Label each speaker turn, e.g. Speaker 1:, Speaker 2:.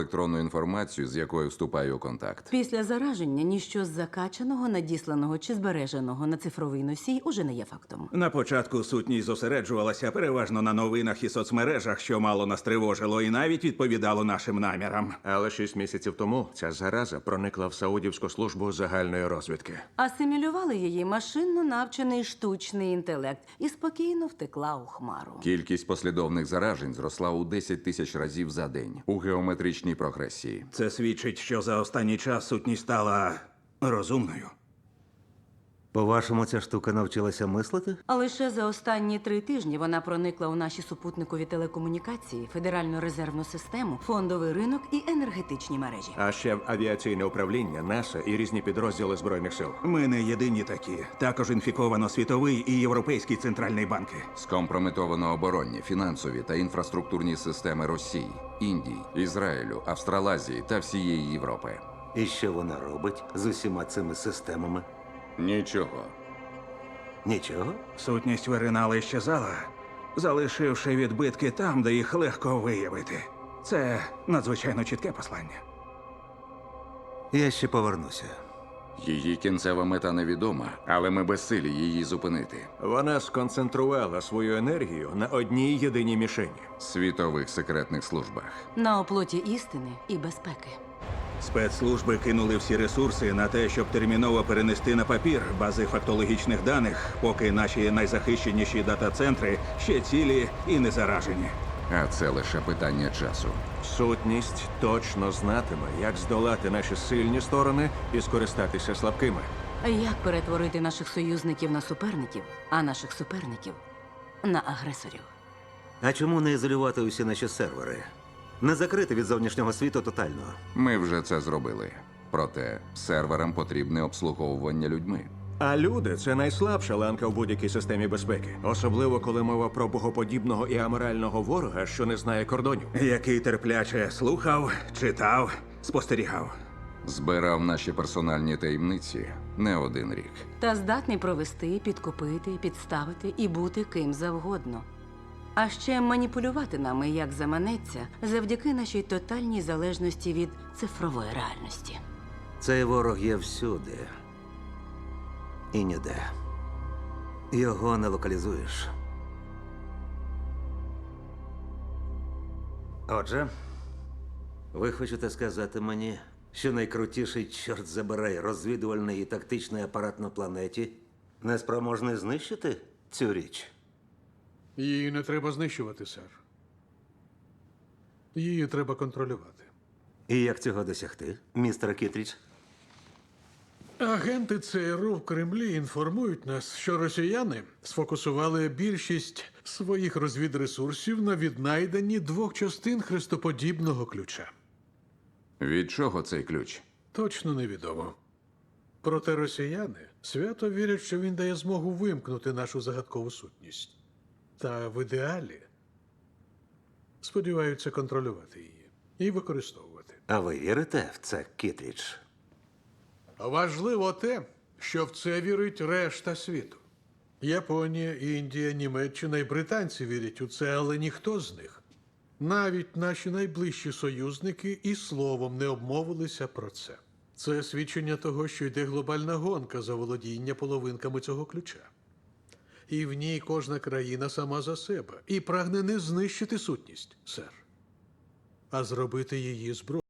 Speaker 1: електронну інформацію, з якою вступаю у контакт.
Speaker 2: Після зараження ніщо з закачаного, надісланого чи збереженого на цифровий носій уже не є фактом.
Speaker 3: На початку сутність зосереджувалася переважно на новинах і соцмережах, що мало нас тривожило і навіть відповідало нашим намірам.
Speaker 4: Але 6 місяців тому ця зараза проникла в Саудівську службу загальної розвідки.
Speaker 2: Асимілювали її машинно навчений штучний інтелект і спокійно втекла у хмару.
Speaker 1: Кількість послідовних заражень зросла у 10 тисяч разів за день у геометричній прогресії.
Speaker 3: Це свідчить, що за останній час сутність стала розумною.
Speaker 5: По-вашому, ця штука навчилася мислити?
Speaker 2: А лише за останні 3 тижні вона проникла у наші супутникові телекомунікації, федеральну резервну систему, фондовий ринок і енергетичні мережі.
Speaker 4: А ще в авіаційне управління, НАСА і різні підрозділи Збройних сил.
Speaker 3: Ми не єдині такі. Також інфіковано Світовий і Європейський центральний банки.
Speaker 1: Скомпрометовано оборонні, фінансові та інфраструктурні системи Росії, Індії, Ізраїлю, Австралазії та всієї Європи.
Speaker 5: І що вона робить з усіма цими системами?
Speaker 1: Нічого.
Speaker 5: Нічого?
Speaker 3: Сутність виринала і щезала, залишивши відбитки там, де їх легко виявити. Це надзвичайно чітке послання.
Speaker 5: Я ще повернуся.
Speaker 1: Її кінцева мета невідома, але ми безсилі її зупинити.
Speaker 4: Вона сконцентрувала свою енергію на одній єдиній мішені.
Speaker 1: Світових секретних службах.
Speaker 2: На оплоті істини і безпеки.
Speaker 3: Спецслужби кинули всі ресурси на те, щоб терміново перенести на папір бази фактологічних даних, поки наші найзахищеніші дата-центри ще цілі і не заражені.
Speaker 1: А це лише питання часу.
Speaker 4: Сутність точно знатиме, як здолати наші сильні сторони і скористатися слабкими.
Speaker 2: А як перетворити наших союзників на суперників, а наших суперників на агресорів?
Speaker 5: А чому не ізолювати усі наші сервери? Не закрити від зовнішнього світу тотально.
Speaker 1: Ми вже це зробили. Проте серверам потрібне обслуговування людьми.
Speaker 4: А люди – це найслабша ланка в будь-якій системі безпеки. Особливо, коли мова про богоподібного і аморального ворога, що не знає кордонів.
Speaker 3: Який терпляче слухав, читав, спостерігав.
Speaker 1: Збирав наші персональні таємниці не один рік.
Speaker 2: Та здатний провести, підкупити, підставити і бути ким завгодно. А ще маніпулювати нами, як заманеться, завдяки нашій тотальній залежності від цифрової реальності.
Speaker 5: Цей ворог є всюди. І ніде. Його не локалізуєш. Отже, ви хочете сказати мені, що найкрутіший, чорт забирай, розвідувальний і тактичний апарат на планеті неспроможний знищити цю річ?
Speaker 6: Її не треба знищувати, сер. Її треба контролювати.
Speaker 5: І як цього досягти, містер Кітріч?
Speaker 6: Агенти ЦРУ в Кремлі інформують нас, що росіяни сфокусували більшість своїх розвідресурсів на віднайденні 2 частин хрестоподібного ключа.
Speaker 1: Від чого цей ключ?
Speaker 6: Точно невідомо. Проте росіяни свято вірять, що він дає змогу вимкнути нашу загадкову сутність. Та в ідеалі сподіваються контролювати її і використовувати.
Speaker 5: А ви вірите в це, Кітріч?
Speaker 6: Важливо те, що в це вірить решта світу. Японія, Індія, Німеччина і британці вірять у це, але ніхто з них, навіть наші найближчі союзники, і словом не обмовилися про це. Це свідчення того, що йде глобальна гонка за володіння половинками цього ключа. І в ній кожна країна сама за себе і прагне не знищити сутність, сер, а зробити її зброєю.